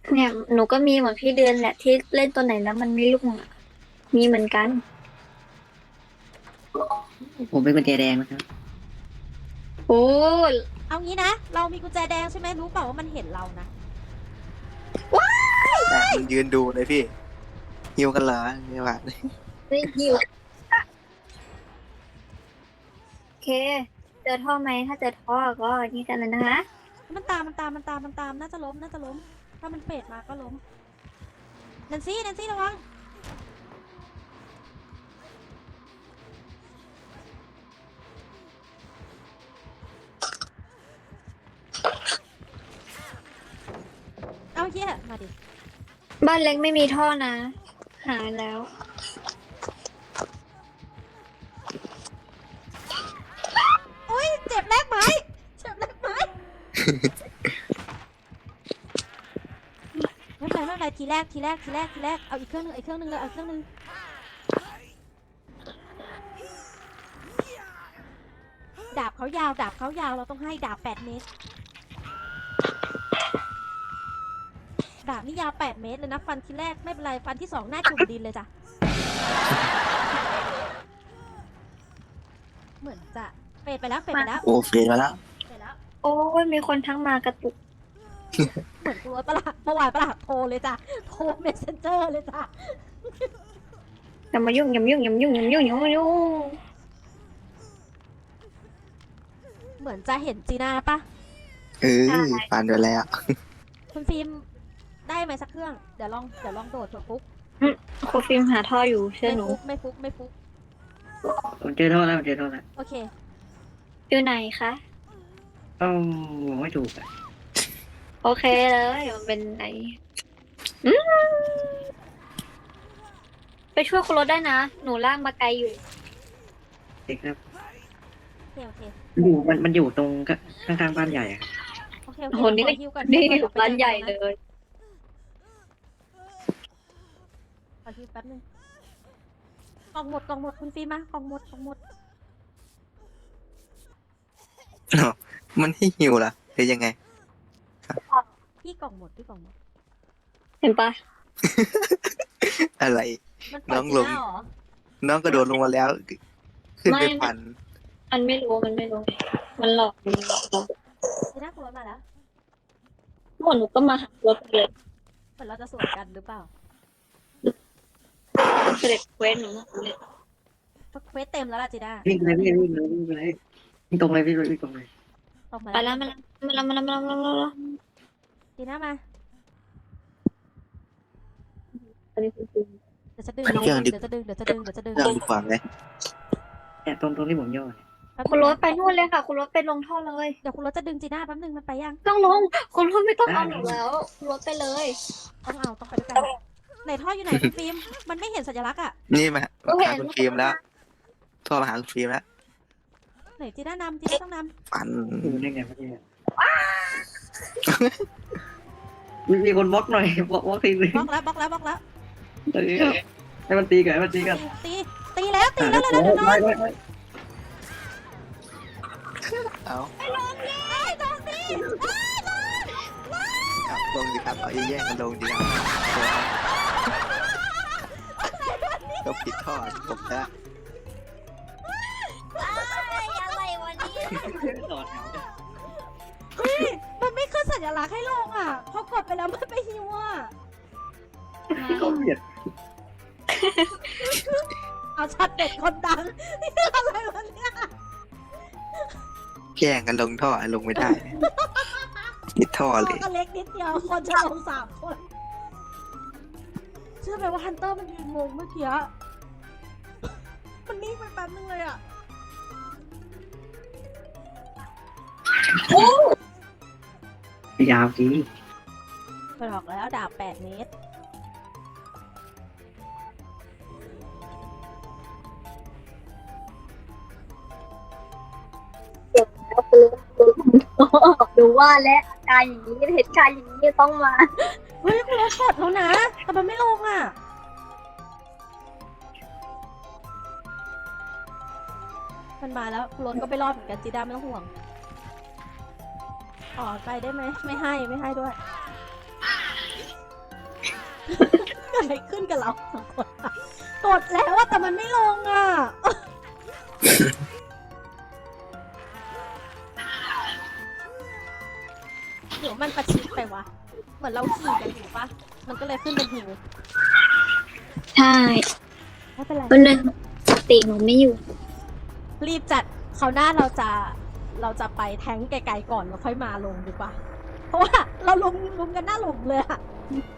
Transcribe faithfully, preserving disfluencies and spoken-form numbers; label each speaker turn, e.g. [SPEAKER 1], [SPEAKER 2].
[SPEAKER 1] เนี่ยหนูก็มีเหมือนพี่เดือนแหละที่เล่นตัวไหนแล้วมันไม่รุ่งอะมีเหมือนกัน
[SPEAKER 2] ผมเป็นกุญแจแดงนะครับ
[SPEAKER 1] โอ้
[SPEAKER 3] เอางี้นะเรามีกุญแจแดงใช่ไหมรู้เปล่าว่ามันเห็นเรานะ
[SPEAKER 4] แต่มันยืนดูเลยพี่หิวกันเหรอไม่ว่า
[SPEAKER 1] ไม่หิวโอเคเจอท่อไหมถ้าเจอท่อก็นี่กันเลยนะคะ
[SPEAKER 3] มันตามมันตามมันตามมันตามน่าจะล้มน่าจะล้มถ้ามันเฟดมาก็ล้มแนนซี่แนนซี่ระวังเอาเฮียมาดิ
[SPEAKER 1] บ้านเล็กไม่มีท่อนะหาแล้ว
[SPEAKER 3] โอ้ยเจ็บแรกไหมเจ็บแรกไหมไม่เป็นไรไม่เป็นไรทีแรกทีแรกทีแรกทีแรกเอาอีกเครื่องนึงอีกเครื่องนึงเลยเอาอีกเครื่องนึงดาบเขายาวดาบเขายาวเราต้องให้ดาบแปดเมตรดาบนี่ยาวแปดเมตรเลยนะฟันทีแรกไม่เป็นไรฟันที่สองหน้าจุ่มดินเลยจ้ะเหมือนจะเฟดไปแล้วเฟดไปแล้ว
[SPEAKER 4] โอ้เฟรมาแล้ว
[SPEAKER 3] เฟดแล้ว
[SPEAKER 1] โอ้ยมีคนทั้งมากระตุก
[SPEAKER 3] เหมือนกูรถประหลาดเมื่อวานประหลาดโทรเลยจ้ะโทรเมสเซนเจอร์เลยจ้ะ
[SPEAKER 1] อย่ามายุ่งอย่ามายุ่งอย่ามายุ่งอย่ามายุ่งอย่ามายุ่ง
[SPEAKER 3] เหมือนจะเห็นจีน่าปะ
[SPEAKER 4] เออผ่านไปแล้ว
[SPEAKER 3] คุณฟิล์มได้ไหมสักเครื่องเดี๋ยวลองเดี๋ยวลองโดดเถอะฟุก
[SPEAKER 1] ครูฟิล์มหาท่ออยู่เชื่อ
[SPEAKER 3] ไม่
[SPEAKER 1] หนู
[SPEAKER 3] ฟุกไม่ฟุกไม่ฟุก
[SPEAKER 2] ผมเจอโทษแล้วผมเจอโทษแล้ว
[SPEAKER 3] โอเค
[SPEAKER 1] อยู่ไหนคะ
[SPEAKER 2] ต้องบอกไม่ถูกอ่ะ
[SPEAKER 1] โอเคเลยมันเป็นไหนอืมไปช่วยคุณรถได้นะ หนูลากมาไกลอยู่
[SPEAKER 2] เด็กครับ
[SPEAKER 3] โอเคโอเค
[SPEAKER 2] อยู่มันมันอยู่ตรงก็ข้างๆบ้านใหญ่อะ
[SPEAKER 3] โอเคโอเค
[SPEAKER 1] โหนี่ก็
[SPEAKER 3] ขอฮิวก่อน
[SPEAKER 1] นี่
[SPEAKER 3] ฮิวก่อ
[SPEAKER 1] ร้านใหญ่เลย
[SPEAKER 3] ขอฮิวแป๊บนึงกล่องหมดกล่องหมดคุณฟิล์มมากล่องหมดกล่องหมด
[SPEAKER 4] มันให้หิวเหรอหรือยังไง
[SPEAKER 3] พี่กล่องหมดพี่กล่องหมด
[SPEAKER 1] เห็นปะ
[SPEAKER 4] อะไร
[SPEAKER 3] มันปล่อย
[SPEAKER 4] น้อง
[SPEAKER 3] จี
[SPEAKER 4] ลง
[SPEAKER 3] น่าเหรอ
[SPEAKER 4] น้องกระโดดลงมาแล้ว ขึ้นไปพัน
[SPEAKER 1] มันไม่รู้มันไม่รู้ มันหลอกมันหลอกเรา
[SPEAKER 3] จีน่าคุณรถมาแล้ว
[SPEAKER 1] หมดหนูก็มาหารถเลย
[SPEAKER 3] เหมือนเราจะสวนกันหรือเปล่า
[SPEAKER 1] เสด็จเว้นหนูเลย
[SPEAKER 3] เพราะเควสเต็มแล้วล่ะจีน่า
[SPEAKER 2] วิ่งเลยวิ่งเลยวิ่งเลยวิ่งเลยวิ่งตรงเลยวิ่งเลยวิ่งตรงเลย
[SPEAKER 3] ออกมา
[SPEAKER 1] ไปแล้วมาแล้วมาแล้วมาแล้วมาแล้วมาแล้วมาแล้ว
[SPEAKER 3] จีน่ามา
[SPEAKER 1] อันนี้คือจริง
[SPEAKER 3] เดี๋ยวจะดึงเดี๋ยวจะดึงเดี๋ยวจะดึงเดี๋ยวจะดึง
[SPEAKER 4] เรื่องดีกว่าไหม
[SPEAKER 2] แต่ตรงตรงที่ผมย่อเนี่ย
[SPEAKER 3] แป๊บ
[SPEAKER 1] คุณ
[SPEAKER 3] นึ
[SPEAKER 1] รง ถไปนู่นเลยค่ะ คุณรถไปลงท่อเลย
[SPEAKER 3] เดี๋ยวคุณรถจะดึงจีน่าแป๊บนึงมันไปยัง
[SPEAKER 1] ต้องลง คุณรถไม่ต้องเอาหนูแล้วคุณรถไปเลย
[SPEAKER 3] ต้องเอาต้องไปด้วยกันไหนท่ออยู่ไหนคุณฟิล์มมันไม่เห็นสัญลักษณ์อ่ะ
[SPEAKER 4] นี่มามาหาคุณฟิล์มแล้วโทรมาหาคุณฟิล์มแล้ว
[SPEAKER 3] ไหนจีน่านำจีน่าต้องน
[SPEAKER 4] ปัน
[SPEAKER 2] อยู่ได้ไงเมื่อกี้มีมีคนบล็อกหน่อยบล็อกบล็อกทีนึง
[SPEAKER 3] ำบล็อกแล้วบล็อกแล้วบล็อกแล้ว
[SPEAKER 2] เออให้มันตีกันให้มันตีกัน
[SPEAKER 3] ตีตีตีแล้วตีแล้วแล้วแล้ว
[SPEAKER 2] ไปไปไป
[SPEAKER 4] เอา
[SPEAKER 3] ไอ้ลงดิไอ้ลงดิไอ้ลง
[SPEAKER 4] ครับลงดีครับเอาแย่งกันลงดีครับก็ผิดท่อผมแล้ว
[SPEAKER 1] อะไรวะนี่
[SPEAKER 2] ต่อแถวกัน
[SPEAKER 3] เฮ้ยมันไม่ขึ้นสัญลักษณ์ให้ลงอ่ะพอกดไปแล้วมันไปฮิวอ่ะ
[SPEAKER 2] ก็เบียด
[SPEAKER 3] เอาชัดเด็ดคนดังนี่อะไรวะเนี่ย
[SPEAKER 4] แย่งกันลงท่อลงไม่ได้ผิดท่อเลย
[SPEAKER 3] ก็เล็กนิดเดียวคนจะลงสามคนเชื่อไหมว่าฮันเตอร์มันยืนงงเมื่อกี้มันนิ่งไปแป๊บนึงเลยอ่ะ
[SPEAKER 2] ยาวจริง
[SPEAKER 3] ไปบอกแล้วดาบแปดเมตร
[SPEAKER 1] ดูว่าและอาการอย่างนี้เหตุการณ์อย่างนี้ต้องมา
[SPEAKER 3] เฮ้ยคุณรถกดแล้วนะ แต่มันไม่ลงอ่ะ มันมาแล้วคุณรถก็ไปรอดเหมือนกันจีด้าไม่ต้องห่วงอ๋อไปได้ไหมไม่ให้ไม่ให้ด้วยเกิดอะไรขึ้นกับเราสองคนอะกดแล้วอะแต่มันไม่ลงอะเดี๋ยวมันประชิดไปวะเหมือนเราขี่กันอยู่ปะมันก็เลยขึ้นเป็นหิว
[SPEAKER 1] ใช่
[SPEAKER 3] ไม่เป็นไร
[SPEAKER 1] วันหนึ่งสติหนูไม่อยู่
[SPEAKER 3] รีบจัดคราวหน้าเราจะเราจะไปแท้งไกลๆก่อนแล้วค่อยมาลงดีกว่า เพราะว่าเราลงลงกันหน้าหลุมเลยอะ